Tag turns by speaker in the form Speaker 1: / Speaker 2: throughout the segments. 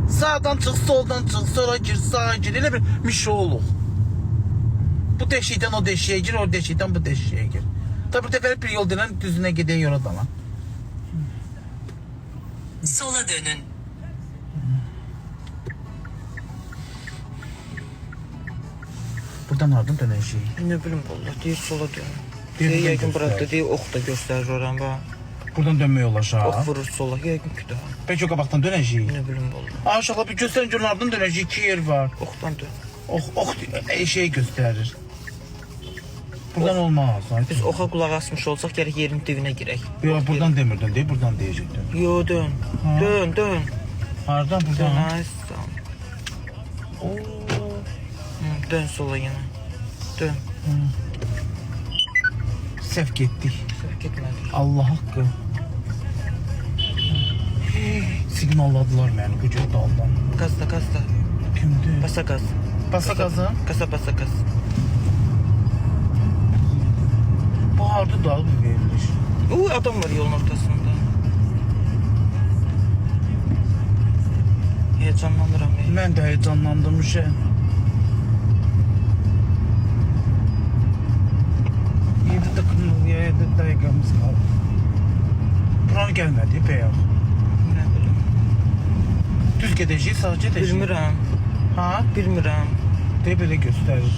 Speaker 1: Sağdan çık, soldan çık, sola gir, sağa gir. Elə bir mişoğluq. Bu deşikdən o deşiyə gir, o deşikdən bu deşiyə gir. Tabi bu dəfəli bir yol denən düzünə gedən yola dalan.
Speaker 2: Sola dönün.
Speaker 1: Buradan hardan dönəcəyik?
Speaker 3: Ne bileyim valla değil sola dön.
Speaker 1: Bir buradan
Speaker 3: Yəqin burada
Speaker 1: göstərir.
Speaker 3: değil ok da göstərir oran bax.
Speaker 1: Buradan dönmək olacaq.
Speaker 3: Ok vurur sola yəqin ki də.
Speaker 1: Peki o qabaqdan dönəcəyik?
Speaker 3: Ne bileyim valla.
Speaker 1: Aa, uşaqlar bir göstərin görün hardan dönəcəyik? İki yer var.
Speaker 3: Oktan dön.
Speaker 1: Ok şey göstərir. Buradan olmaz.
Speaker 3: Biz oxa qulaq asmış olsaq gərək yerin dibinə girək.
Speaker 1: Yo, buradan demirdin değil, buradan deyəcəkdin.
Speaker 3: Yo dön.
Speaker 1: Ha.
Speaker 3: Dön dön.
Speaker 1: Hardan
Speaker 3: Dön
Speaker 1: buradan?
Speaker 3: ay sağ.
Speaker 1: Oo.
Speaker 3: Dön sola yenə. Dön.
Speaker 1: Səhv getdik.
Speaker 3: Səhv getmədik.
Speaker 1: Allah haqqı. Signaladılar məni bu cür daldan.
Speaker 3: Qazda qazda.
Speaker 1: Kimdir?
Speaker 3: Basa qaz.
Speaker 1: Basa qazın.
Speaker 3: Qasa basa qaz.
Speaker 1: Bu harda dal mı verilir?
Speaker 3: Uy adam var yolun ortasında. Heyecanlanıram.
Speaker 1: Mən də heyecanlandım şey. Yedi dəqiqəmiz qaldı. Buranı gəlmədi bəyəm.
Speaker 3: Ne bilim.
Speaker 1: Düz gedəcəyik, sağ gedəcəyik.
Speaker 3: Bilmirəm.
Speaker 1: Ha?
Speaker 3: Bilmirəm.
Speaker 1: De belə göstərir.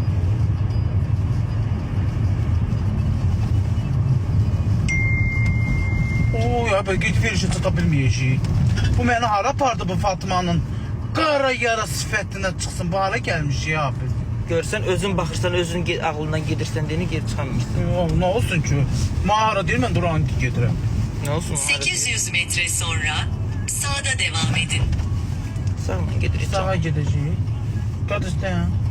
Speaker 1: Oo ya belə gec verişə çata bilməyəcəyik. Bu məni hara apardı bu Fatmanın? Qara yara sifətinə çıxsın. Bu hara gəlmiş ya abi?
Speaker 3: Görsən özün baxırsan, özün ağlından gedirsən deyini geri çıxammışsın.
Speaker 1: Ne olsun ki? Mağara değil, mən duran gedirəm.
Speaker 3: Ne olsun?
Speaker 2: 800 metre sonra sağda devam edin.
Speaker 3: Sağla gedir.
Speaker 1: Sağa gedəcəyik. Qad istəyən.